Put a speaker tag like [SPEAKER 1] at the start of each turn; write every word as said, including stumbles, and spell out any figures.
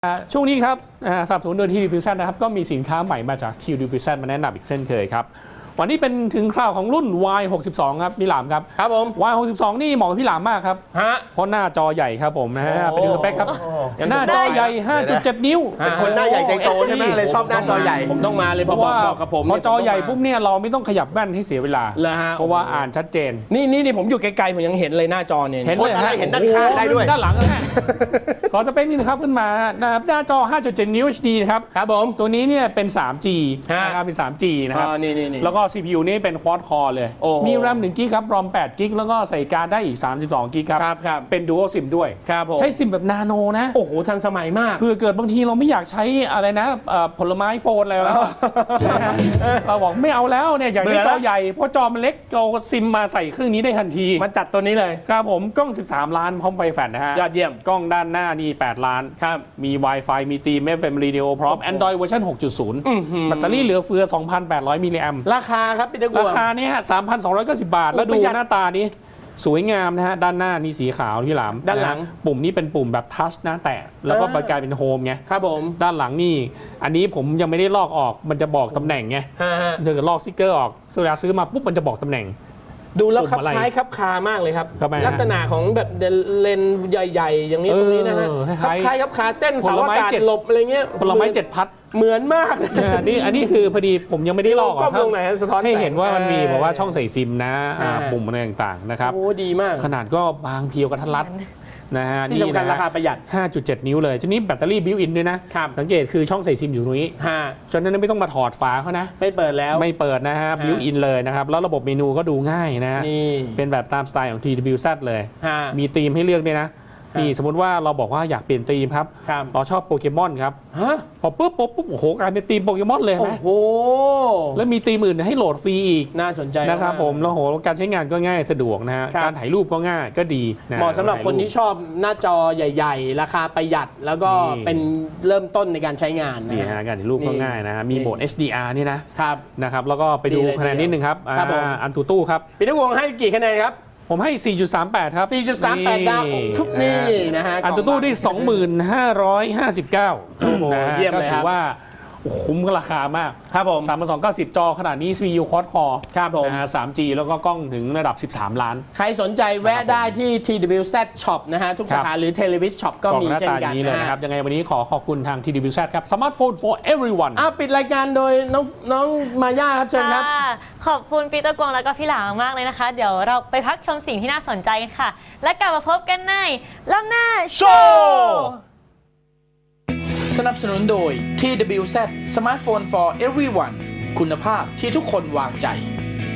[SPEAKER 1] ช่วงนี้ครับสนับสนุนโดย ที ดี พี ซี นะครับก็มีสินค้าใหม่มาจาก ที ดี พี ซี มาแนะนำอีกเช่นเคยครับวันนี้เป็นถึงคราวของรุ่น วาย หกสิบสอง ครับพี่หลามครับ
[SPEAKER 2] ครับผม
[SPEAKER 1] วาย หกสิบสอง นี่เหมาะกับพี่หลามมากครับ
[SPEAKER 2] ฮะ
[SPEAKER 1] เพราะหน้าจอใหญ่ครับผมนะฮะไปดูสเปคครับหน้าจอใหญ่ ห้าจุดเจ็ด นิ้ว
[SPEAKER 3] เป็นคนหน้าใหญ่ใจโตใช่ไหมเลยชอบหน้าจอใหญ่
[SPEAKER 2] ผมต้องมาเลยเพราะว่ากับผม
[SPEAKER 1] พอจอใหญ่ปุ๊บเนี่ยเราไม่ต้องขยับแว่นให้เสียเวลาเพราะว่าอ่านชัดเจน
[SPEAKER 2] นี่นี่นี่ผมอยู่ไกลๆผมยังเห็นเลยหน้าจอเนี่ย
[SPEAKER 1] เห็นเลย
[SPEAKER 3] อะไรเห็นด้านข้างได้ด้วย
[SPEAKER 1] ด้านหลังนะขอสเปคนี้นะครับขึ้นมานะครับหน้าจอ ห้าจุดเจ็ด นิ้ว เอช ดี นะครับ
[SPEAKER 2] ครับผม
[SPEAKER 1] ตัวนี้เนี่ยเป็น สาม จี นะครับเป็น สาม จี นะครับแล้วก็ ซี พี ยู นี่เป็น ควอด คอร์ เลยมีแรมหนึ่งกิกครับรอมแปดกิกแล้วก็ใส่การได้อีกสามสิบสองกิกครับเป็น Dual SIM ด้วยใช้ซิมแบบนาโนนะ
[SPEAKER 2] โอ้โหทันสมัยมาก
[SPEAKER 1] เพื่อเกิดบางทีเราไม่อยากใช้อะไรนะผลไม้โฟนอะไรแล้วเราบอกไม่เอาแล้วเนี่ยอยากได้จอใหญ่เพราะจอมันเล็กเราซิมมาใส่เครื่องนี้ได้ทันที
[SPEAKER 2] มาจัดตัวนี้เลย
[SPEAKER 1] ครับผมกล้องสิบสามล้านพร้อมไฟแฟลชนะฮะ
[SPEAKER 2] ยอดเยี่ยม
[SPEAKER 1] กล้องด้านหน้านี่แปดล้าน
[SPEAKER 2] ครับ
[SPEAKER 1] มี Wi-Fi มีตีม เอฟ เอ็ม Radio พร้อม Android เวอร์ชัน หกจุดศูนย์ แบตเตอรี่เหลือเฟือ สองพันแปดร้อย มิลลิแอมป์
[SPEAKER 2] ราคาครับพี่ตะกัว
[SPEAKER 1] ราคาเนี่ย สามพันสองร้อยเก้าสิบ บาทแล้วดูหน้าตานี้สวยงามนะฮะด้านหน้านี่สีขาวพี่หลาม
[SPEAKER 2] ด้านหลัง
[SPEAKER 1] ปุ่มนี้เป็นปุ่มแบบทัชนะแตะแล้วก็กลายเป็นโฮมไง
[SPEAKER 2] ครับผม
[SPEAKER 1] ด้านหลังนี่อันนี้ผมยังไม่ได้ลอกออกมันจะบอกตำแหน่งไงจะลอกสติ๊กเกอร์ออกเวลาซื้อมาปุ๊บมันจะบอกตำแหน่ง
[SPEAKER 2] ดูแล้วคล้ายครับคามากเลยครับลักษณะของแบบเลนใหญ่ๆอย่างนี้ตรงนี้นะฮะคล้ายครับคาเส้นเสาอากาศหลบอะไรเงี้ย
[SPEAKER 1] ผลไม้เจ็ดพัด
[SPEAKER 2] เหมือนมาก
[SPEAKER 1] อันนี้อันนี้คือพอดีผมยังไม่ได้ลอก
[SPEAKER 2] อ่ะ
[SPEAKER 1] ให้เห็นว่ามันมีบอกว่าช่องใส่ซิมนะปุ่มอะไรต่างๆนะครับ
[SPEAKER 2] โอ้ดีมาก
[SPEAKER 1] ขนาดก็บางเพียวกระทัดรัดนะฮะ
[SPEAKER 2] นี่นะราคาประหยัด
[SPEAKER 1] ห้าจุดเจ็ด นิ้วเลยทีนี้แบตเตอรี่บิวอินด้วยนะสังเกตคือช่องใส่ซิมอยู่ตรงนี้ฉะนั้นไม่ต้องมาถอดฝาเขานะ
[SPEAKER 2] ไม่เปิดแล้ว
[SPEAKER 1] ไม่เปิดนะฮะบิวอินเลยนะครับแล้วระบบเมนูก็ดูง่ายนะเป็นแบบตามสไตล์ของ ที ดี พี ซี เลยมีธีมให้เลือกด้วยนะนี่สมมติว่าเราบอกว่าอยากเปลี่ยนธีมครับเราชอบโปเกมอนครับพอปุ๊บปุ๊บปุ๊บโอ้โหกลายเป็นธีมโปเกมอนเลยนะ
[SPEAKER 2] โอ้โห
[SPEAKER 1] แล้วมีธีมอื่นให้โหลดฟรีอีก
[SPEAKER 2] น่าสนใจ
[SPEAKER 1] นะครับผมแล้วโหการใช้งานก็ง่ายสะดวกนะฮะการถ่ายรูปก็ง่ายก็ดี
[SPEAKER 2] เหมาะสำหรับคนที่ชอบหน้าจอใหญ่ๆราคาประหยัดแล้วก็เป็นเริ่มต้นในการใช้งาน
[SPEAKER 1] นี่ฮะการถ่ายรูปก็ง่ายนะฮะมีโหมด เอช ดี อาร์ นี่นะครับนะครับแล้วก็ไปดูคะแนนนิดนึงครับอันตูตู้ครับ
[SPEAKER 2] พี่ตะวงให้กี่คะแนนครับ
[SPEAKER 1] ผมให้ สี่จุดสามแปด ครับ
[SPEAKER 2] สี่จุดสามแปด ดาวทุกนี่นะฮะ
[SPEAKER 1] อันตู้ได้ สองหมื่นห้าร้อยห้าสิบเก้า
[SPEAKER 2] เยี่ยมเลยครับ
[SPEAKER 1] ถือว่าคุ้มกับราคามาก
[SPEAKER 2] ครับผม
[SPEAKER 1] สามพันสองร้อยเก้าสิบ จอขนาดนี้ ซี พี ยู ควอด คอร์
[SPEAKER 2] ครับผม
[SPEAKER 1] สาม จี แล้วก็กล้องถึงระดับสิบสามล้าน
[SPEAKER 2] ใครสนใจแวะได้ที่ ที ดี พี ซี Shop นะฮะทุกสาขาหรือ Televis Shop ก็มีเช่นกัน
[SPEAKER 1] นะครับยังไงวันนี้ขอขอบคุณทาง ที ดี พี ซี ครับ Smartphone for everyone
[SPEAKER 2] อ้าวปิดรายการโดยน้องน้องมาย่าครับเชิญครับ
[SPEAKER 4] ขอบคุณปีเตอร์กวงแล้วก็พี่หลามมากเลยนะคะเดี๋ยวเราไปพักชมสิ่งที่น่าสนใจกันค่ะและกลับมาพบกันในล้ำหน้าโชว์
[SPEAKER 5] สนับสนุนโดย ที ดี พี ซี Smartphone for everyone คุณภาพที่ทุกคนวางใจ